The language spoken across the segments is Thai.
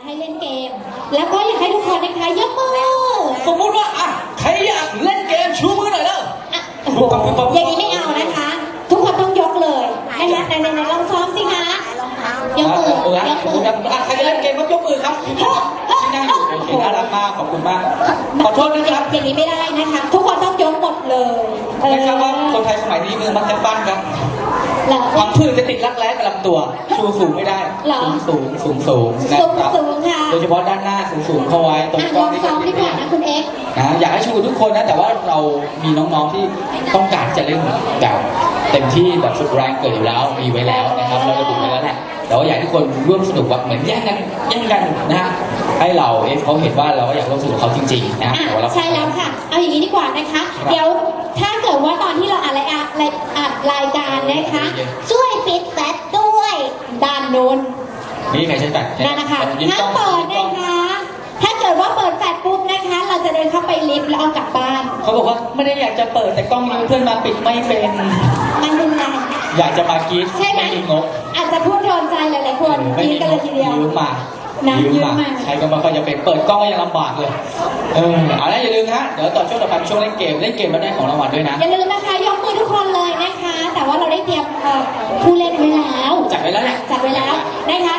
ให้เล่นเกมแล้วก็อยากให้ทุกคนนะคะยกมือสมมุติว่าใครอยากเล่นเกมชูมือหน่อยเด้ออย่างนี้ไม่เอานะคะทุกคนต้องยกเลยนะคะในลองซ้อมสิคะยกมือยกมือใครจะเล่นเกมก็ยกมือครับที่นั่งอยู่โอเคน่ารักมากขอบคุณมากขอโทษนะครับอย่างนี้ไม่ได้นะคะทุกคนต้องยกหมดเลยไม่ทราบว่าคนไทยสมัยนี้มือมักจะปั้นครับพังพืชจะติดรักแร้กับลำตัวชูสูงไม่ได้สูงนะครับโดยเฉพาะด้านหน้าสูงเข้าไว้ตรงกล้องนี่ซ้อมดีกว่านะคุณเอ็กซ์อยากให้ชูทุกคนนะแต่ว่าเรามีน้องๆที่ต้องการจะเล่นแบบเต็มที่แบบสุดแรงเกิดอยู่แล้วมีไว้แล้วนะครับเราระบุไว้แล้วแหละแต่ว่าอยากให้ทุกคนร่วมสนุกแบบเหมือนแย่งกันนะฮะให้เราเขาเห็นว่าเราอยากร่วมสนุกเขาจริงๆนะใช่แล้วค่ะเอาอย่างนี้ดีกว่านะคะเดี๋ยวถ้าเกิดว่าตอนที่เราอัดรายการนะคะช่วยปิดแฟลชด้วยด้านโน้นนี่ใครใช้แฟลชนั่นนะคะถ้าเปิดนะคะถ้าเกิดว่าเปิดแฟลชปุ๊บนะคะเราจะเดินเข้าไปลิฟต์แล้วเอากลับบ้านเขาบอกว่าไม่ได้อยากจะเปิดแต่กล้องนี้เพื่อนมาปิดไม่เป็นมันเป็นไรอยากจะมากรี๊ดใช่ไหมอาจจะพูดโดนใจหลายๆคนกรี๊ดกันเลยทีเดียวยืมมาใช้ก็ไม่ค่อยจะเป็นเปิดกล้องก็ยังลำบากเลยเอาละอย่าลืมนะเดี๋ยวต่อช่วงต่อไปช่วงเล่นเกมแล้วได้ของรางวัลด้วยนะอย่าลืมนะคะยกมือทุกคนเลยนะคะแต่ว่าเราได้เตรียมผู้เล่นไว้แล้วจัดไว้แล้วแหละจัดไว้แล้วนะคะ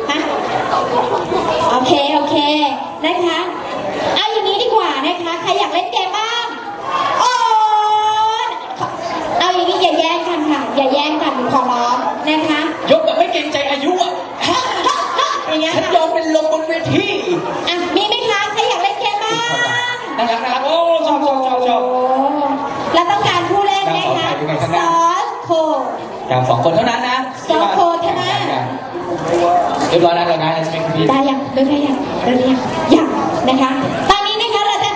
โอเคนะคะเอาอย่างนี้ดีกว่านะคะใครอยากเล่นเกมบ้างโอ้เอาอย่างนี้อย่าแย่งกันค่ะอย่าแย่งกันขอร้องนะคะยกแบบไม่เกรงใจอายุอ่ะฉันยอมเป็นลมบนเวทีมีไหมคะใครอยากเล่นเกมบ้างนะครับโอ้ชอบแล้วต้องการผู้เล่นนะคะ2 คนอย่าง2 คนเท่านั้นนะ 2 คนเท่านั้นเรียบร้อยแล้วเราได้ใช่ไหมพี่ได้ยังยังนะคะตอนนี้นะคะเราจะ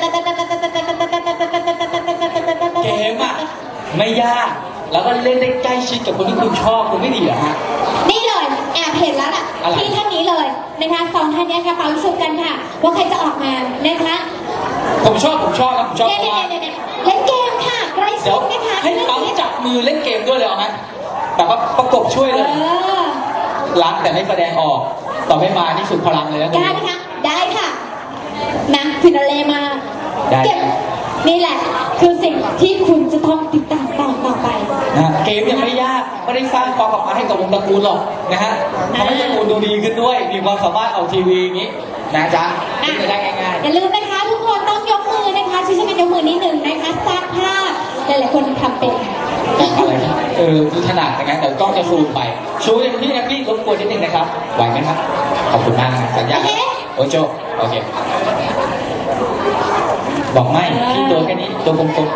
เกมอ่ะไม่ยากแล้วก็เล่นได้ใกล้ชิดกับคนที่คุณชอบคุณไม่ดีเหรอฮะนี่เลยแอบเห็นแล้วล่ะที่ท่านนี้เลยนะคะ2 ท่านนี้ค่ะเป่าสุดกันค่ะว่าใครจะออกมานะคะผมชอบเล่นเกมค่ะใกล้ชิดนะคะให้ปั๊มจับมือเล่นเกมด้วยเลยเอาไหมแต่ว่าประกบช่วยเลยรักแต่ไม่แสดงออกต่อไม่มานี่สุดพลังเลยนะได้ค่ะนะฟินาเล่มาเก็บนี่แหละคือสิ่งที่คุณจะต้องติดตามต่อไปเกมยังไม่ยากไม่ได้สร้างความประมาทให้กับวงตระกูลหรอกนะฮะทำให้ตระกูลดูดีขึ้นด้วยมีความสามารถเอาทีวีอย่างนี้นะจ๊ะไม่ได้ง่ายๆอย่าลืมนะคะทุกคนต้องยกมือนะคะช่วยกันยกมือนิดหนึ่งนะคะสร้างภาพหลายๆคนทำเป็นอะไรคือถนัดอย่างนั้นเดี๋ยวกล้องจะซูมไปชูอย่างพี่นะพี่รบกวนนิดนึงนะครับไหวไหมครับขอบคุณมากนะสัญญาโอโจโอเคบอกไม่ที่ตัวแค่นี้ตัวกลม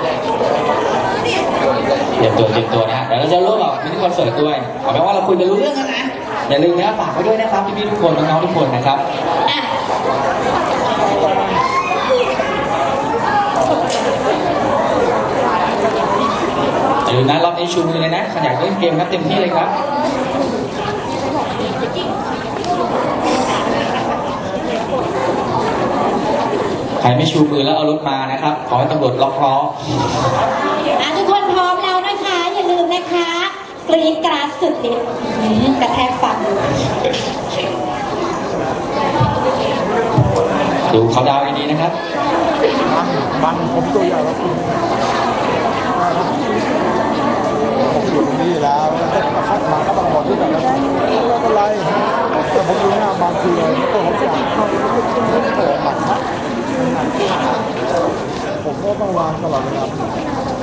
ๆเตรียมตัวนะเดี๋ยวเราจะร่วมกับมินิคอนเสิร์ตด้วยเอาเป็นว่าเราคุยกันรู้เรื่องกันนะอย่าลืมนะฝากไว้ด้วยนะครับพี่ๆทุกคนน้องๆทุกคนนะครับอย่าลืมนะรอบนี้ชูมือเลยนะขยันเล่นเกมครับเต็มที่เลยครับใครไม่ชูมือแล้วเอารถมานะครับขอให้ตำรวจล็อกล้อทุกคนพร้อมแล้วนะคะอย่าลืมนะคะกรี๊ดกราดสุดฤทธิ์กระแทกฟันดูเขาดาวดีๆนะครับบังผมตัวใหญ่แล้วคุณผมอยู่ตรงนี้แล้วคัดมาก็ต้องหมดที่แบบนั้นไม่เป็นไรแต่ผมดูหน้าบางทีเลยตัวผมอยากเข้าเปิดหมัดผมก็ต้องวางตลอดเวลา